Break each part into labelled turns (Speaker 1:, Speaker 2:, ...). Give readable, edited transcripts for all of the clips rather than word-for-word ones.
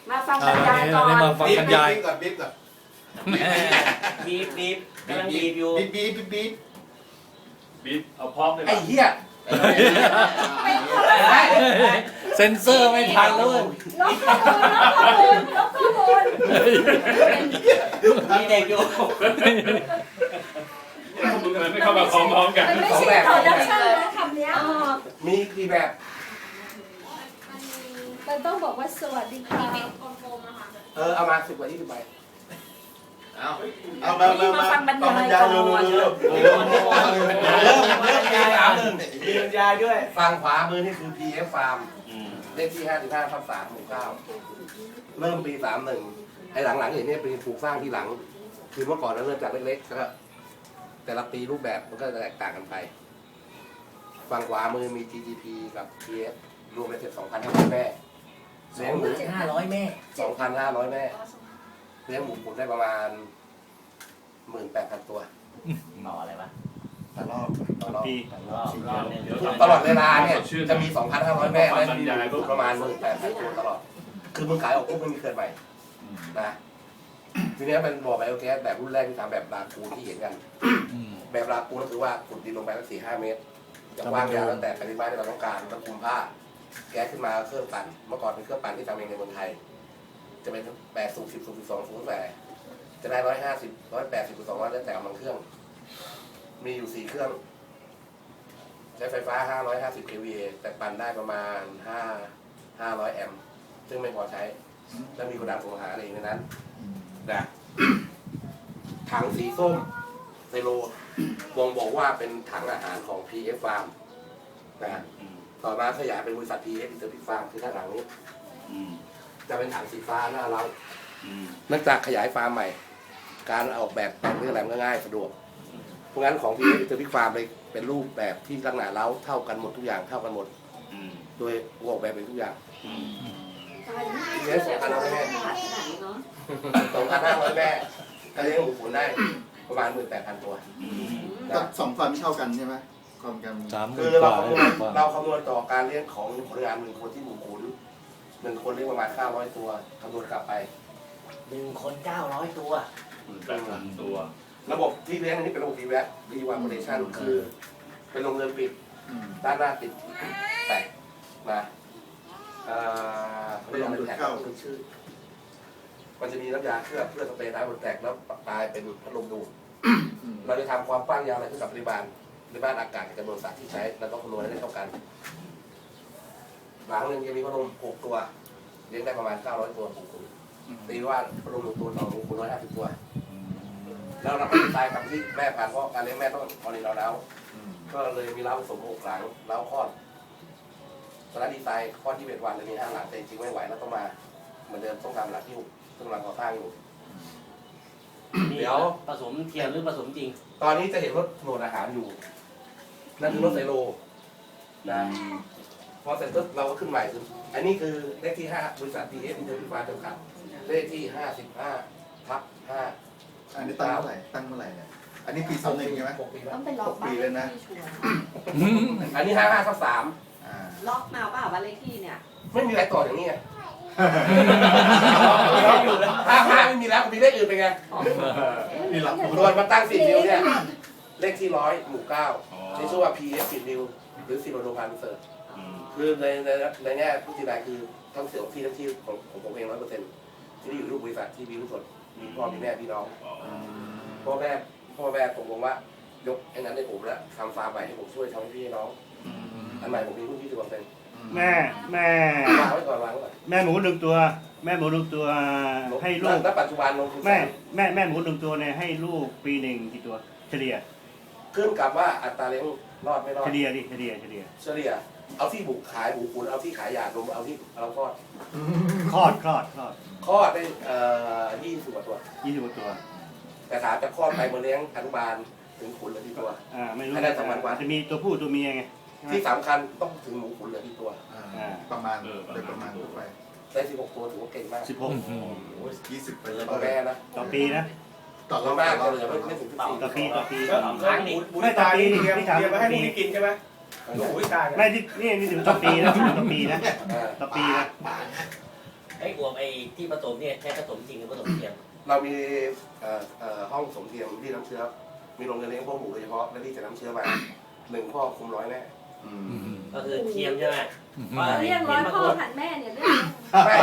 Speaker 1: มาฟังบรรยายก่อน
Speaker 2: มาฟังบรรยาย
Speaker 3: ก่อนบีบก่อน
Speaker 4: บีบกำลังบีบอยู่
Speaker 5: บีบเอาพร้อมเลย
Speaker 3: ไอ้เหี้ย
Speaker 2: เซ็นเซอร์ไม่ทันแล้วเว้ย
Speaker 1: ลบข้อมูลลบข้อมูล
Speaker 4: มีเด็กอยู่
Speaker 5: มึงอะไรไม่เข้ามาพร้อมๆกัน
Speaker 1: มันไม่ใช่ production นะคำเนี้ย
Speaker 3: มีกี่แบบ
Speaker 1: มันต้องบอกว่าสวัสดีค่ะ
Speaker 3: เอามา10 กว่า 20 ใบ
Speaker 6: เอามาฟังบรรยายก่อน
Speaker 3: เริ่มมีบรรยายด้วยฝั่งขวามือนี่คือ PF Farm เลขที่55/3 หมู่ 9เริ่มปี 31ไอ้หลังๆอย่างนี้เป็นปลูกสร้างที่หลัง คือเมื่อก่อนเราเริ่มจากเล็กๆแล้วก็แต่ละปีรูปแบบมันก็แตกต่างกันไป ฝั่งขวามือมี GGP กับ PF รวมเป็นเสร็จ 2,500 แม่เลี้ยงหมู
Speaker 4: 500 แม่
Speaker 3: 2,500 แม่เลี้ยงหมูผมได้ประมาณ 18,000 ตัว
Speaker 4: ต่ออะไรวะ
Speaker 3: ต่อรอบต่อรอบ
Speaker 4: รอบนึง
Speaker 3: ตลอดเวลาเนี่ยจะมี 2,500 แม่และมีประมาณ 18,000 ตัวตลอด คือมึงขายออกปุ๊บมันมีเกินใหม่นะทีนี้เป็นบ่อไบโอแก๊สแบบรุ่นแรกที่ทำแบบลาคูนที่เห็นกัน แบบลาคูนก็คือว่าขุดดินลงไปสัก4-5 เมตรจะกว้างยาวแล้วแต่ปริมาณที่เราต้องการต้องคุมผ้า แก๊สขึ้นมาเครื่องปั่นเมื่อก่อนเป็นเครื่องปั่นที่ทำเองในเมืองไทย จะเป็น8สูบ10สูบ12สูบแต่จะได้150 180 200แล้วแต่กำลังเครื่อง มีอยู่4เครื่อง ใช้ไฟฟ้า550 kVA แต่ปั่นได้ประมาณ500 แอมป์ซึ่งไม่พอใช้ แล้วมีกระดาษส่งอาหารอะไรในนั้นนะถังสีส้มไซโลบ่งบอกว่าเป็นถังอาหารของ PF Farm นะต่อมาขยายเป็นบริษัท PF Interpix Farm คือด้านหลังนี้จะเป็นถังสีฟ้าหน้าเราเนื่องจากขยายฟาร์มใหม่ การออกแบบแต่งเรื่องอะไรมันก็ง่ายสะดวก เพราะงั้นของ PF Interpix Farm เลยเป็นรูปแบบที่ลักษณะเล้าเท่ากันหมดทุกอย่างเท่ากันหมดโดยออกแบบเป็นทุกอย่างเลี้ยง2,500 แม่2,500 แม่ก็เลี้ยงหมูขุนได้ประมาณ 18,000 ตัว
Speaker 6: ก็2 ฟันเท่ากันใช่ไหมความกัน
Speaker 3: คือเราคำนวณต่อการเลี้ยงของพนักงาน1 คนที่หมูขุน1 คนเลี้ยงประมาณ900 ตัวคำนวณกลับไป
Speaker 4: 1 คน 900 ตัว
Speaker 5: 18,000 ตัว
Speaker 3: ระบบที่เลี้ยงอันนี้เป็นระบบ VWAP Revalorization คือเป็นโรงเรือนปิดด้านหน้าติดแตกนะเรียกว่าเป็นแท็กคือชื่อมันจะมีน้ำยาเคลือบเพื่อสเปรย์น้ำบนแตกแล้วกลายเป็นพัดลมดูดเราจะทำความกว้างยาวอะไรขึ้นกับปริมาณอากาศกับจำนวนสัตว์ที่ใช้เราต้องคำนวณให้ได้เท่ากันหลังหนึ่งจะมีพัดลม6 ตัวเลี้ยงได้ประมาณ900 ตัวหมูขุนตีว่าพัดลม1 ตัวต่อหมูขุน150 ตัวแล้วเราก็ดีไซน์กับที่แม่พันธุ์เพราะการเลี้ยงแม่ต้องพอดีเราแล้วก็เลยมีเล้าผสม6 หลังเล้าคลอดตอนนั้นดีไซน์คลอด21 วันเลยมี5 หลังแต่จริงๆไม่ไหวแล้วต้องมาเหมือนเดิมต้องทำหลังที่6ซึ่งกำลังก่อสร้างอยู่เดี๋ยว
Speaker 4: ผสมเทียมหรือผสมจริง
Speaker 3: ตอนนี้จะเห็นรถโหลดอาหารอยู่นั่นคือรถไซโลนะพอเสร็จปุ๊บเราก็ขึ้นใหม่คืออันนี้คือเลขที่5บริษัท PF Interpix Farm จำกัดเลขที่55/5
Speaker 6: อันนี้ตั้งเมื่อไหร่เนี่ยอันนี้ปี21ใช่ไหม
Speaker 3: 6 ปีแล้ว
Speaker 1: ต้องไปล็อก
Speaker 6: 6 ปีเลยนะ
Speaker 3: อันนี้55/3
Speaker 1: ล็อกมาเปล่าบ้านเลขที่เนี่ย
Speaker 3: ไม่มีอะไรต่ออย่างนี้ไง55ไม่มีแล้วมีเลขอื่นเป็นไง
Speaker 6: นี่หลัก
Speaker 3: ส่วนมาตั้ง10 นิ้วเนี่ยเลขที่100 หมู่ 9ใช้ชื่อว่า PF 10 นิ้วหรือ10 โลพานเสิร์ตคือในแง่ผู้ที่ใดคือทั้งเสียงที่ของผมเอง100%ที่นี่อยู่รูปบริษัทที่มีลูกสดมีพ่อมีแม่พี่น้องพ่อแม่ผมบอกว่ายกไอ้นั้นให้ผมแล้วทำฟาร์มใหม่ให้ผมช่วยทำให้พี่น้องอันใหม่ผมมีรุ่น20%
Speaker 7: แม่
Speaker 3: วางไว้ก่อน
Speaker 7: แม่หมู1 ตัว แม่หมู1 ตัวให้ลูก
Speaker 3: ณปัจจุบันลงทุน
Speaker 7: แม่หมู1 ตัวเนี่ยให้ลูกปีหนึ่งกี่ตัวเฉลี่ย
Speaker 3: ขึ้นกับว่าอัตราเลี้ยงรอดไม่รอด
Speaker 7: เฉลี่ย
Speaker 3: เอาที่บุกขายบุกขุนเอาที่ขายหยาดรวมเอาที่เราคลอด
Speaker 7: คลอด
Speaker 3: คลอดได้20 กว่าตัว
Speaker 7: 20 กว่าตัว
Speaker 3: แต่ถามจะคลอดไปมาเลี้ยงอนุบาลถึงขุนเหลือที่ตัว
Speaker 7: ไม่รู้
Speaker 3: ให้ได้2,000 กว่า
Speaker 7: จะมีตัวผู้ตัวเมียไง
Speaker 3: ที่สำคัญต้องถึงหมูขุนเหลือที่ตัว
Speaker 6: ประมาณโดยประมาณไป
Speaker 3: ได้16 ตัวถือว่าเก่งมาก
Speaker 6: 20 ไปเลย
Speaker 3: ต่อแม่นะ
Speaker 7: ต่อปีนะ
Speaker 6: ต่อ
Speaker 3: ต่อ
Speaker 6: รอบ
Speaker 3: มาก
Speaker 6: ต่อ
Speaker 3: เหลือ
Speaker 6: รอบ
Speaker 3: ไม่ถึง
Speaker 7: ต่อปี
Speaker 4: ครั้งนี้
Speaker 7: ไม่ต่อปีนี่ถามต่อปี
Speaker 3: 14ใช่ไหมหนูวิตาย
Speaker 7: ไม่ที่นี่ถึงต่อปีนะต่อปีนะ
Speaker 3: อ่า
Speaker 7: ต่อปีนะ
Speaker 4: ไอ้วบไอ้ที่ผสมเนี่ยใช้ผสมจริงหรือผสมเทียม
Speaker 3: เรามีห้องสมเทียมที่น้ำเชื้อ มีโรงเรียนเลี้ยงพ่อหมูโดยเฉพาะและที่จะน้ำเชื้อมา1 พ่อคุม100 แน่
Speaker 4: ก็คือเทียมใช่ไหม
Speaker 1: เรียกร้อยพ่อผัดแม่เนี่ยเรื่อง
Speaker 3: ไม่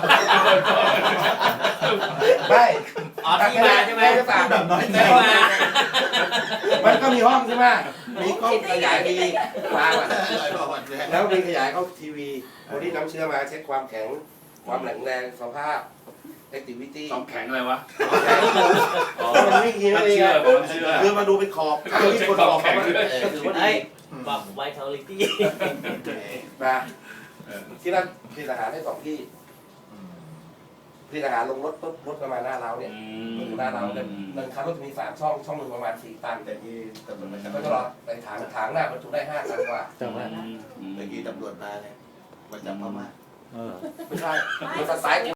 Speaker 3: ไม่
Speaker 4: อ๋อที่มาใช่ไหม
Speaker 3: จะฝาก
Speaker 6: แบบน้อยใจ
Speaker 4: ที่มา
Speaker 3: มันก็มีห้องใช่ไหมมีกล้องขยายมีวางอะ
Speaker 6: อะไรประมาณนี้
Speaker 3: แล้วมีขยายเข้าทีวีคนที่น้ำเชื้อมาเช็คความแข็ง ความแข็งแรงสภาพ activity
Speaker 5: ความแข็งอะไรวะ
Speaker 3: มันไม่กิน
Speaker 5: มัน
Speaker 3: เลย
Speaker 5: เชื่อ
Speaker 3: ไง
Speaker 5: ผมเชื่อ
Speaker 3: คือมาดูเป็นขอบที่คนบอกเขาก็ถือว่าดี
Speaker 4: ปรับไวท์ทอลิตี้
Speaker 3: นะที่นั่นผลิตอาหารได้2 ที่ผลิตอาหารลงรถปุ๊บรถประมาณหน้าเราเนี่ยหน้าเราเนี่ย1 คันรถจะมี3 ช่องช่องหนึ่งประมาณ4 ตัน
Speaker 6: แต่ที่ตำรวจมา
Speaker 3: ก็จะรอในถังหน้าบรรจุได้5 ตันกว่า
Speaker 2: จังหวะ
Speaker 6: เมื่อกี้ตำรวจมาเนี่ยมาจับพม่า
Speaker 2: เออ
Speaker 3: ไม่ใช่มันสไตล์